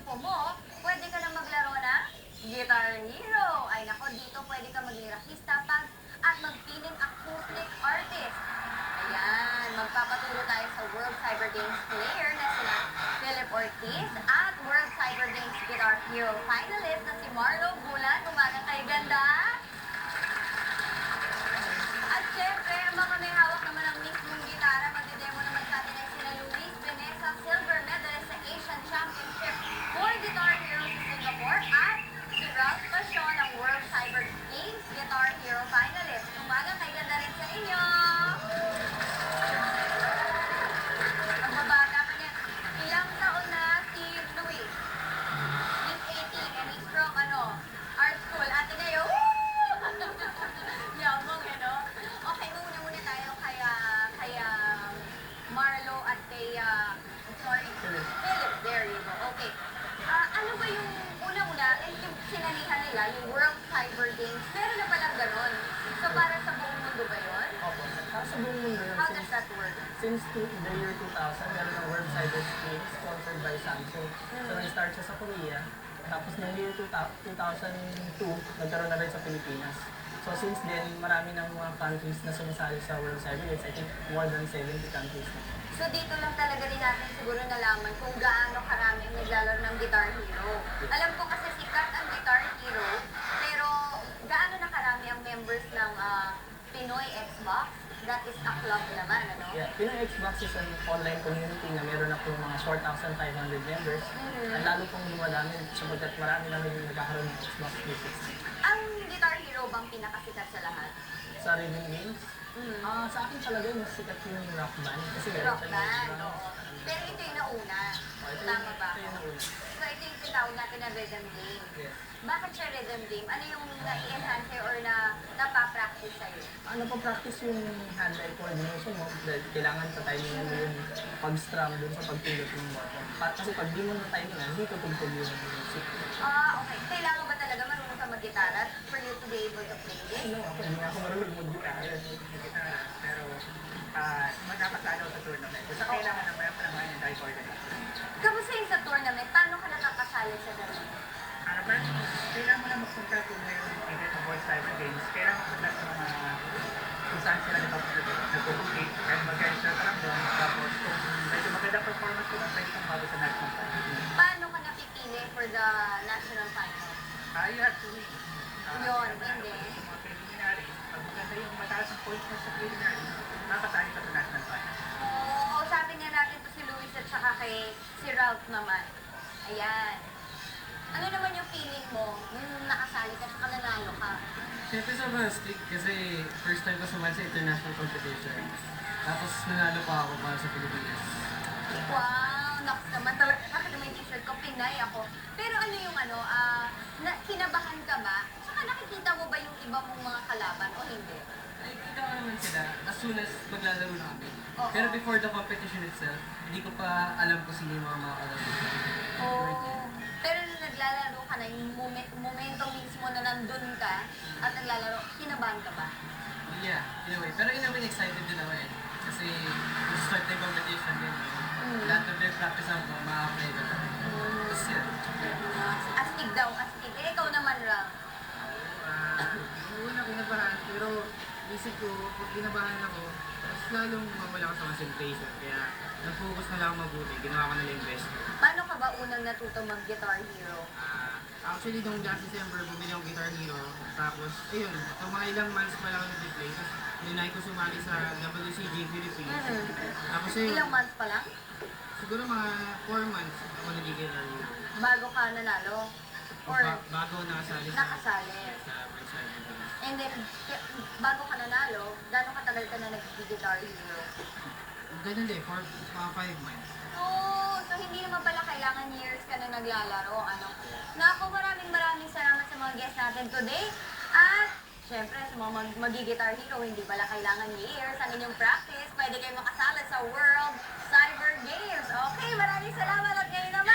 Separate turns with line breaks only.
grupo mo, pwede ka na maglaro ng Guitar Hero. Ay nako, dito pwede ka maglirahista at magpiling acoustic artist. Ayan, magpapaturo tayo sa World Cyber Games player na sina Philip Ortiz at World Cyber Games Guitar Hero finalist na si Marlo Bulan. Umaga kay ganda. At syempre, ang mga may hawak naman ng mismong gitara, magdedemo naman sa atin ay sina Luis Vanessa, silver medalist sa Asian Championship for Guitar Hero sa Singapore at si Ralph Passion, ang World Cyber Games Guitar Hero finalist. Umaga kay ganda rin sa inyo. Ang babata pa niya, ilang taon na si Luis? He's 18 and he's from art school. Ate Neo, yabang Okay, muna tayo kay Marlo at kay, Philip. There you go. Okay. Ano ba yung una-una, yung sinanihan nila, yung World Cyber Games, meron na palang ganon. So, para sa buong mundo ba yun?
Opo. Sa buong mundo yun.
How does that work?
Since the year 2000, meron ng World Cyber Games sponsored by Samsung. So, nag-start siya sa Korea. Tapos, ng year 2002, nagkaroon na rin sa Pilipinas. So, since then, marami ng mga countries na sumasali sa World Cyber Games. I think more than 70 countries na.
So, dito lang talaga din natin siguro nalaman kung gaano karami ang naglalaro ng Guitar Hero. Alam ko kasi sikat ang Guitar Hero, pero gaano na karami ang members ng Pinoy Xbox? That is a club naman, ano?
Yeah, Pinoy Xbox is an online community na meron na po mga 4,500 members. At lalo pong lumadami sapagkat marami na rin nagkakaroon ng Xbox 360.
Ang Guitar Hero bang pinakasikat sa lahat?
Sa rhythm games, sa akin talaga mas sikat yung Rock Band. Kasi meron
Rock
siya
Band,
yung
oo. Pero ito yung nauna. Tama ba?
Ito yung nauna.
So ito yung tinawag natin na rhythm game.
Yes.
Bakit siya rhythm game? Ano yung na-enhance sa'yo or napapractice sa'yo?
Ano pa practice yung hand-eye coordination mo? Dahil kailangan pa-timingan mo yung pag-strum dun sa pagpindot ng button. Kasi pag di mo na-timingan, hindi tutugtog yung music.
Okay. Kailangan ba talaga marunong ka mag-gitara for you to be able to play this?
Ano, ako hindi ako marunong mag-gitara.
Pero magkakasalo sa tournament. So, kailangan na mayroon pa naman yung die coordination.
Kamusta yung sa tournament? Paano ka nakakasali sa ganun?
First, kailangan mo na magpunta kung mayroon yung event ng World Cyber Games. Kailangan mo punta sa mga kung saan sila nagpo-compete. Kaya mag-register ka lang doon. Tapos kung medyo maganda performance ko lang, pwede kang bago sa national final.
Paano ka napipili for the national final?
You have to win.
Yun, hindi.
Sa mga preliminaries, pag maganda yung mataas ang points mo sa preliminaries, makakasali ka sa national final.
Oo, sabi nga natin to si Luis at saka kay si Ralph naman. Ayan. Ano naman yung feeling mo nung nakasali ka at nanalo ka?
Siyempre sobrang strict kasi first time ko sumali sa international competition. Tapos nanalo pa ako para sa Pilipinas.
Wow, naks naman talaga. Bakit naman yung t-shirt ko? Pinay ako. Pero ano yung kinabahan ka ba? Saka nakikita mo ba yung iba mong mga kalaban o hindi?
Nakikita ko naman sila as soon as maglalaro na kami.
Oo.
Pero before the competition itself, hindi ko pa alam kung sino yung mga kalaro.
Oh. Pero nung naglalaro ka na, yung momento mismo na nandun ka at naglalaro, kinabahan ka ba?
Yeah, in a way. Pero in a way, excited din ako eh. Kasi kung start na yung competition din, lahat ng practice ako, ma-apply ko na. Tapos yun.
Astig daw, astig. Eh, ikaw naman, Ram.
Una kinabahan, pero isip ko, pag kinabahan ako, mas lalong mawala ko sa concentration. Kaya nag-focus na lang ako mabuti, ginawa ko na lang yung best ko.
Paano ka ba unang natuto mag-Guitar Hero?
Actually, nung last December, bumili ako Guitar Hero. Tapos, ayun, so mga ilang months pa lang ako nag-play. Tapos, ninay ko sumali sa WCG Philippines. Tapos ayun,
Ilang months pa lang?
siguro mga 4 months ako nag-Guitar Hero.
Bago ka nanalo? Or
Bago ako nakasali
nakasali?
sa World Cyber Games.
And then, bago ka nanalo, gano'ng katagal ka na nag-Guitar Hero?
Ganun din, for mga 5 months.
Oh, so hindi naman pala kailangan years ka na naglalaro, ano? Naku, maraming salamat sa mga guests natin today. At, syempre, sa mga mag-Guitar Hero, hindi pala kailangan years ang inyong practice. Pwede kayo makasali sa World Cyber Games. Okay, maraming salamat at ngayon naman.